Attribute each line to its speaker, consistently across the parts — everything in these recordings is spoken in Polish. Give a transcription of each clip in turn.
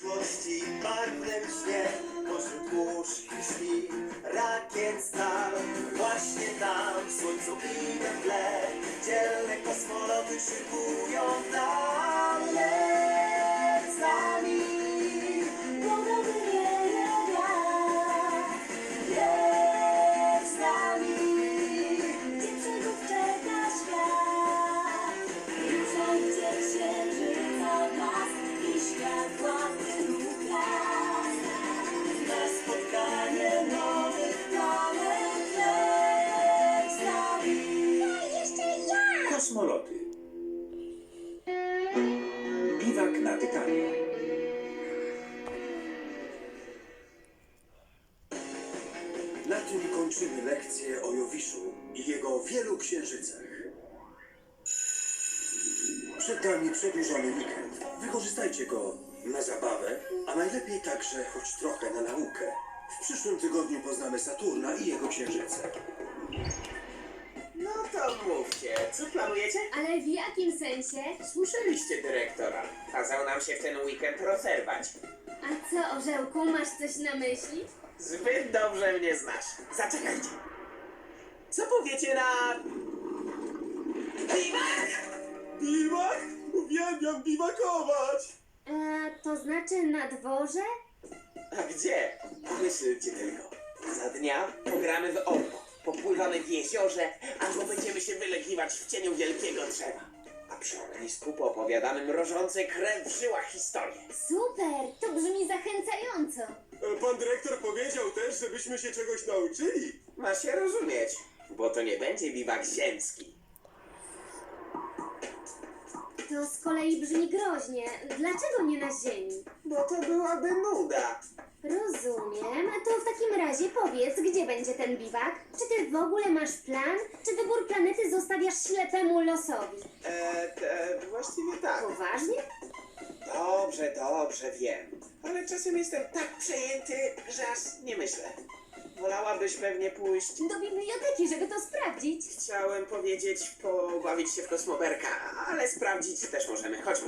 Speaker 1: przyszłości barwnym śnie, pośród kurz i śpi, rakiet stal. Właśnie tam, w słońcu i we tle, dzielne kosmoloty szykują nam. Leć z nami, podobny wieje wiatr. Leć z nami, gdzie przygód czeka świat. Ruszajcie księżyca blask i światła tylu gwiazd. Na spotkanie nowych planet. Leć z nami.
Speaker 2: Jeszcze ja!
Speaker 3: Kosmoloty. Biwak na Tytanie.
Speaker 1: Na tym kończymy lekcję o Jowiszu i jego wielu księżycach. Przed nami przedłużony weekend. Wykorzystajcie go na zabawę, a najlepiej także choć trochę na naukę. W przyszłym tygodniu poznamy Saturna i jego księżyce.
Speaker 4: No to mówcie, co planujecie?
Speaker 2: Ale w jakim sensie?
Speaker 4: Słyszeliście dyrektora. Kazał nam się w ten weekend rozerwać.
Speaker 2: A co, orzełku, masz coś na myśli?
Speaker 4: Zbyt dobrze mnie znasz. Zaczekajcie. Co powiecie na... Biwak!
Speaker 1: Biwak? Uwielbiam biwakować!
Speaker 2: To znaczy na dworze?
Speaker 4: A gdzie? Pomyślcie tylko. Za dnia pogramy w orbo. Popływamy w jeziorze, albo będziemy się wylegiwać w cieniu wielkiego drzewa. A przy ognisku poopowiadamy mrożące krew w żyłach historie.
Speaker 2: Super, to brzmi zachęcająco.
Speaker 1: Pan dyrektor powiedział też, żebyśmy się czegoś nauczyli.
Speaker 4: Ma się rozumieć, bo to nie będzie biwak ziemski.
Speaker 2: To z kolei brzmi groźnie. Dlaczego nie na Ziemi?
Speaker 4: Bo to byłaby nuda.
Speaker 2: Rozumiem. To w takim razie powiedz, gdzie będzie ten biwak? Czy ty w ogóle masz plan? Czy wybór planety zostawiasz ślepemu losowi?
Speaker 4: Właściwie tak.
Speaker 2: Poważnie?
Speaker 4: Dobrze, wiem. Ale czasem jestem tak przejęty, że aż nie myślę. Wolałabyś pewnie pójść.
Speaker 2: Do biblioteki, żeby to sprawdzić.
Speaker 4: Chciałem powiedzieć, pobawić się w kosmoberka, ale sprawdzić też możemy. Chodźmy.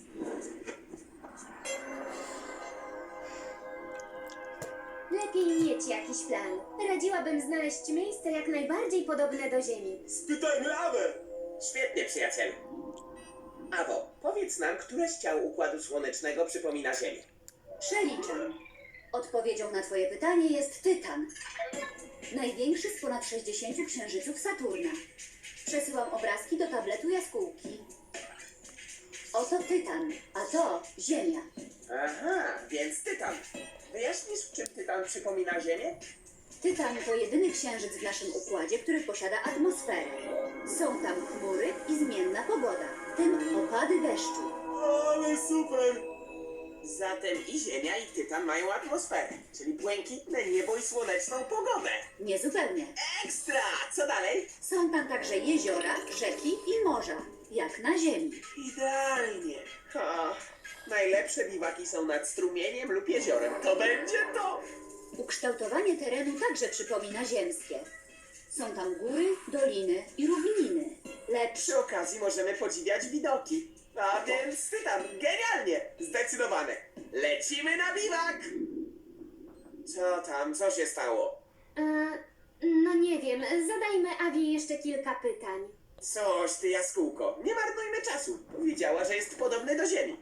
Speaker 2: Lepiej mieć jakiś plan. Radziłabym znaleźć miejsce jak najbardziej podobne do Ziemi.
Speaker 1: Spytajmy Awę!
Speaker 4: Świetnie, przyjacielu. Awo, powiedz nam, które z ciał Układu Słonecznego przypomina Ziemię.
Speaker 5: Przeliczam. Odpowiedzią na Twoje pytanie jest Tytan. Największy z ponad 60 księżyców Saturna. Przesyłam obrazki do tabletu jaskółki. Oto Tytan, a to Ziemia.
Speaker 4: Aha, więc Tytan. Wyjaśnisz, w czym Tytan przypomina Ziemię?
Speaker 5: Tytan to jedyny księżyc w naszym układzie, który posiada atmosferę. Są tam chmury i zmienna pogoda, w tym opady deszczu.
Speaker 1: Ale super!
Speaker 4: Zatem i Ziemia, i Tytan mają atmosferę, czyli błękitne niebo i słoneczną pogodę.
Speaker 5: Niezupełnie.
Speaker 4: Ekstra! Co dalej?
Speaker 5: Są tam także jeziora, rzeki i morza, jak na Ziemi.
Speaker 4: Idealnie. Najlepsze biwaki są nad strumieniem lub jeziorem. To będzie to!
Speaker 5: Ukształtowanie terenu także przypomina ziemskie. Są tam góry, doliny i równiny. Lecz
Speaker 4: Przy okazji możemy podziwiać widoki. A więc Tytan, genialnie! Zdecydowane. Lecimy na biwak! Co tam? Co się stało?
Speaker 2: No nie wiem, zadajmy Awi jeszcze kilka pytań.
Speaker 4: Coś ty, jaskółko. Nie marnujmy czasu. Powiedziała, że jest podobny do Ziemi.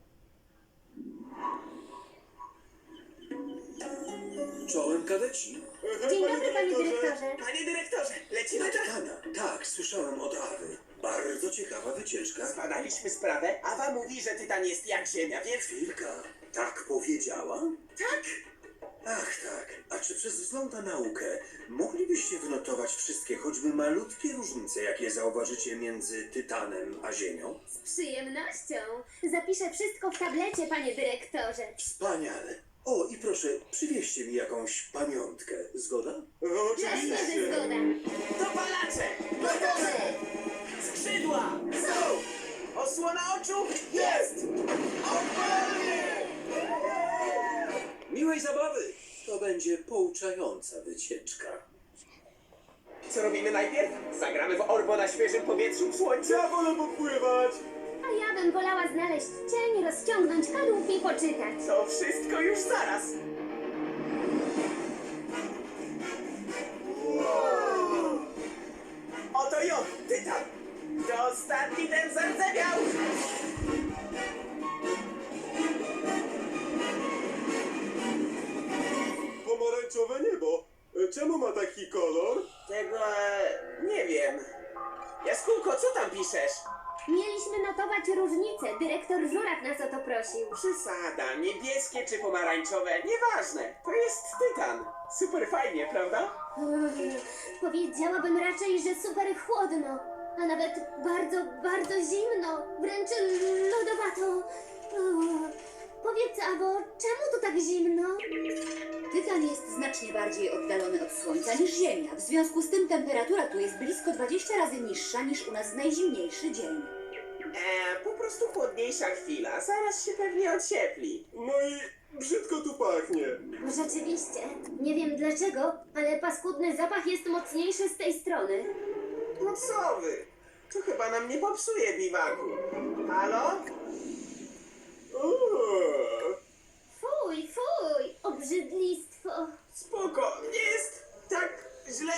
Speaker 1: Czołem kadeci.
Speaker 2: Dzień dobry, panie dyrektorze.
Speaker 4: Panie dyrektorze, lecimy
Speaker 1: Na
Speaker 4: na...
Speaker 1: Tytana. Tak, słyszałem od Awy. Bardzo ciekawa wycieczka.
Speaker 4: Zbadaliśmy sprawę. Awa mówi, że Tytan jest jak Ziemia, więc...
Speaker 1: Chwilka. Tak powiedziała?
Speaker 4: Tak!
Speaker 1: Ach tak. A czy przez wzgląd na naukę moglibyście wynotować wszystkie, choćby malutkie różnice, jakie zauważycie między Tytanem a Ziemią?
Speaker 2: Z przyjemnością. Zapiszę wszystko w tablecie, panie dyrektorze.
Speaker 1: Wspaniale. O, i proszę, przywieźcie mi jakąś pamiątkę. Zgoda?
Speaker 2: Jasne, że zgoda.
Speaker 4: Dopalacze!
Speaker 2: Gotowe!
Speaker 4: Skrzydła! Są! Osłona oczu? Jest! Odpalnie!
Speaker 1: Miłej zabawy! To będzie pouczająca wycieczka.
Speaker 4: Co robimy najpierw? Zagramy w orbo na świeżym powietrzu w słońcu?
Speaker 1: Ja wolę popływać!
Speaker 2: A ja bym wolała znaleźć cień, rozciągnąć kadłub i poczytać.
Speaker 4: To wszystko już zaraz. Oto ją, Tytan! To ostatni ten zardzewiał!
Speaker 1: Pomarańczowe niebo. Czemu ma taki kolor?
Speaker 4: Tego nie wiem. Jaskółko, co tam piszesz?
Speaker 2: Mieliśmy notować różnice. Dyrektor Żuraw nas o to prosił.
Speaker 4: Przesada, niebieskie czy pomarańczowe, nieważne. To jest Tytan. Super fajnie, prawda?
Speaker 2: Powiedziałabym raczej, że super chłodno, a nawet bardzo, bardzo zimno, wręcz lodowato. Powiedz, Abo, czemu tu tak zimno?
Speaker 5: Tytan jest znacznie bardziej oddalony od Słońca niż Ziemia. W związku z tym temperatura tu jest blisko 20 razy niższa niż u nas w najzimniejszy dzień.
Speaker 4: Po prostu chłodniejsza chwila, zaraz się pewnie ociepli.
Speaker 1: No i brzydko tu pachnie.
Speaker 2: Rzeczywiście, nie wiem dlaczego, ale paskudny zapach jest mocniejszy z tej strony.
Speaker 4: No co wy? To chyba nam nie popsuje biwaku. Halo?
Speaker 2: Fuj, fuj, obrzydlistwo.
Speaker 4: Spoko, nie jest tak źle.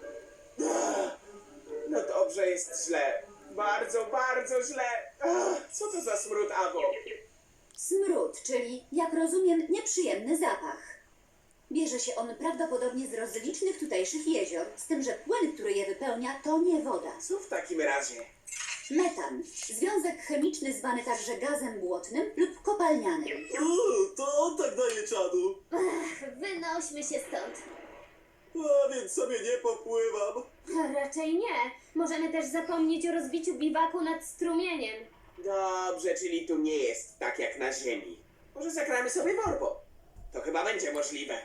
Speaker 4: No dobrze, jest źle. Bardzo, bardzo źle. Co to za smród, Abo?
Speaker 5: Smród, czyli, jak rozumiem, nieprzyjemny zapach. Bierze się on prawdopodobnie z rozlicznych tutejszych jezior, z tym, że płyn, który je wypełnia, to nie woda.
Speaker 4: Co w takim razie?
Speaker 5: Metan, związek chemiczny zwany także gazem błotnym lub kopalnianym.
Speaker 1: To on tak daje czadu.
Speaker 2: Wynośmy się stąd.
Speaker 1: A więc sobie nie popływam.
Speaker 2: Raczej nie. Możemy też zapomnieć o rozbiciu biwaku nad strumieniem.
Speaker 4: Dobrze, czyli tu nie jest tak jak na Ziemi. Może zagramy sobie w orbo? To chyba będzie możliwe.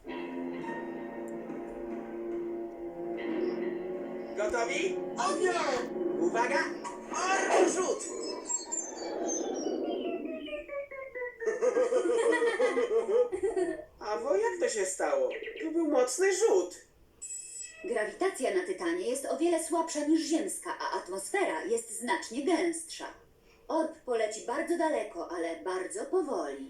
Speaker 4: Gotowi?
Speaker 1: Ognia!
Speaker 4: Uwaga! Orbo rzut! Awo, jak to się stało? To był mocny rzut.
Speaker 5: Grawitacja na Tytanie jest o wiele słabsza niż ziemska, a atmosfera jest znacznie gęstsza. Orb poleci bardzo daleko, ale bardzo powoli.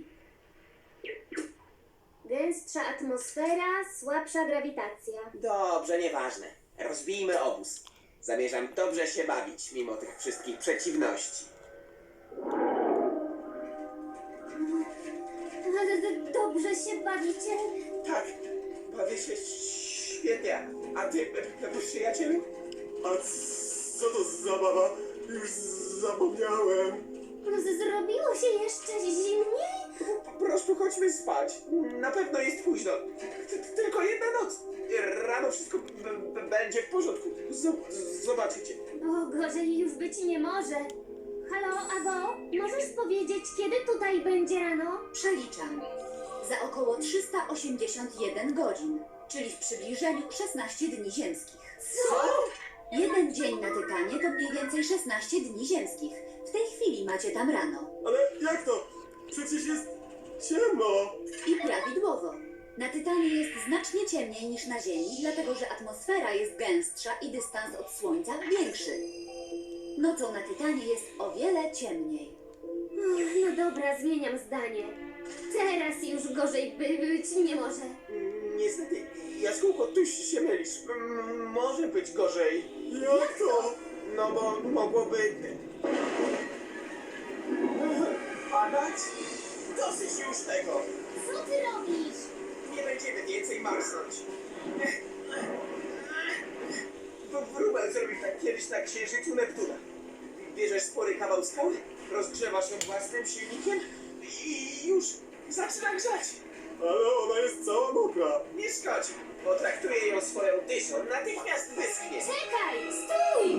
Speaker 2: Gęstsza atmosfera, słabsza grawitacja.
Speaker 4: Dobrze, nieważne. Rozbijmy obóz. Zamierzam dobrze się bawić, mimo tych wszystkich przeciwności.
Speaker 2: Ale dobrze się bawicie.
Speaker 4: Tak, bawię się świetnie. A ty, przyjacielu?
Speaker 1: A co to za zabawa? Już zapomniałem.
Speaker 2: Zrobiło się jeszcze zimniej?
Speaker 4: Po prostu chodźmy spać. Na pewno jest późno. Tylko jedna noc. Rano wszystko będzie w porządku. Zobaczycie.
Speaker 2: O, gorzej już być nie może. Halo, Abo, możesz powiedzieć, kiedy tutaj będzie rano?
Speaker 5: Przeliczam. Za około 381 godzin, czyli w przybliżeniu 16 dni ziemskich.
Speaker 4: Co?
Speaker 5: Jeden dzień na Tytanie to mniej więcej 16 dni ziemskich. W tej chwili macie tam rano.
Speaker 1: Ale jak to? Przecież jest ciemno.
Speaker 5: I prawidłowo. Na Tytanie jest znacznie ciemniej niż na Ziemi, dlatego że atmosfera jest gęstsza i dystans od Słońca większy. Nocą na Tytanie jest o wiele ciemniej.
Speaker 2: No dobra, zmieniam zdanie. Teraz już gorzej być nie może.
Speaker 4: Niestety, Jaskółko, ty się mylisz. Może być gorzej.
Speaker 1: Jak to?
Speaker 4: No bo mogłoby... padać? Dosyć już tego.
Speaker 2: Co ty robisz?
Speaker 4: Nie będziemy więcej marsnąć. Wróbel zrobił tak kiedyś na księżycu Neptuna. Bierzesz spory kawał skały, rozgrzewasz ją własnym silnikiem i już zaczyna grzać.
Speaker 1: Ale ona jest cała mokra.
Speaker 4: Nie szkodzi, potraktuję ją swoją dyszą, natychmiast wyschnie.
Speaker 2: Czekaj, stój!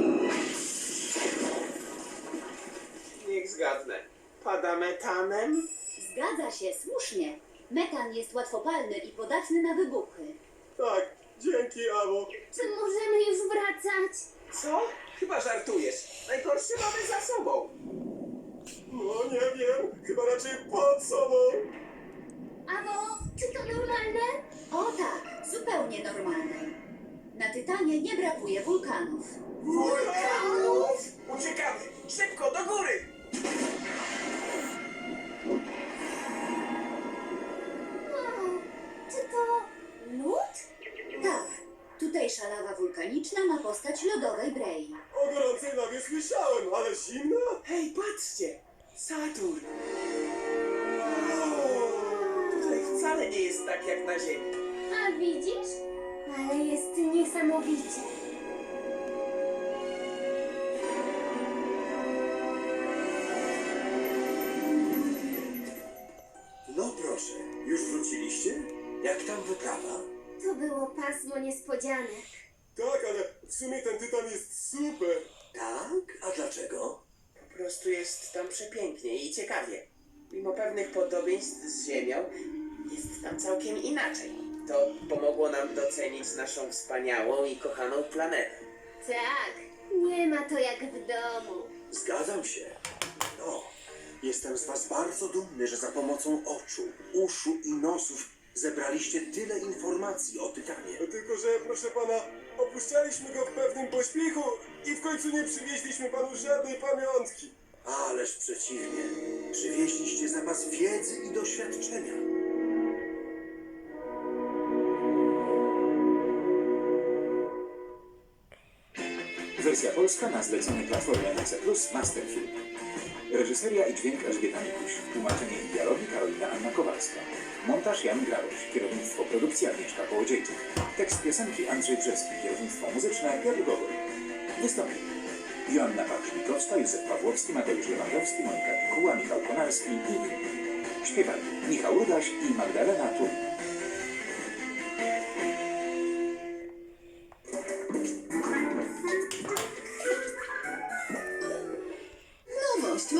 Speaker 4: Niech zgadnę. Pada metanem?
Speaker 5: Zgadza się, słusznie. Metan jest łatwopalny i podatny na wybuchy.
Speaker 1: Tak, dzięki, Abo.
Speaker 2: Czy możemy już wracać?
Speaker 4: Co? Chyba żartujesz. Najgorsze mamy za sobą.
Speaker 1: No nie wiem, chyba raczej pod sobą.
Speaker 2: Abo, czy to normalne?
Speaker 5: O tak, zupełnie normalne. Na Tytanie nie brakuje wulkanów.
Speaker 4: Wulkanów! Uciekamy! Szybko, do góry!
Speaker 2: Wow, czy to lód?
Speaker 5: Tak, tutejsza lawa wulkaniczna ma postać lodowej brei.
Speaker 1: O gorącej lawie słyszałem, ale zimno?
Speaker 4: Hej, patrzcie! Saturn! Tutaj wcale nie jest tak jak na Ziemi.
Speaker 2: A widzisz? Ale jest niesamowicie.
Speaker 1: No proszę, już wróciliście? Jak tam wyprawa?
Speaker 2: To było pasmo niespodzianek.
Speaker 6: Tak, ale w sumie ten tytan jest super.
Speaker 1: Tak? A dlaczego?
Speaker 4: Po prostu jest tam przepięknie i ciekawie. Mimo pewnych podobieństw z Ziemią, jest tam całkiem inaczej. To pomogło nam docenić naszą wspaniałą i kochaną planetę.
Speaker 2: Tak, nie ma to jak w domu.
Speaker 1: Zgadzam się. No, jestem z was bardzo dumny, że za pomocą oczu, uszu i nosów zebraliście tyle informacji o Tytanie.
Speaker 6: No tylko, że proszę pana, opuszczaliśmy go w pewnym pośpiechu i w końcu nie przywieźliśmy panu żadnej pamiątki.
Speaker 1: Ależ przeciwnie. Przywieźliście zapas wiedzy i doświadczenia.
Speaker 3: Wersja polska na zlecenie Platformy NC Plus Masterfilm. Reżyseria i dźwięk Elżbieta Mikuś. Tłumaczenie i dialogi Karolina Anna Kowalska. Montaż Jan Graroś. Kierownictwo produkcji Agnieszka Kołodziejczyk. Tekst piosenki Andrzej Brzeski. Kierownictwo muzyczne Piotr Gogol. Wystąpili Joanna Pawlikowska, Józef Pawłowski, Mateusz Lewandowski, Monika Pikuła, Michał Konarski i inni. Śpiewali Michał Rudaś i Magdalena Turin.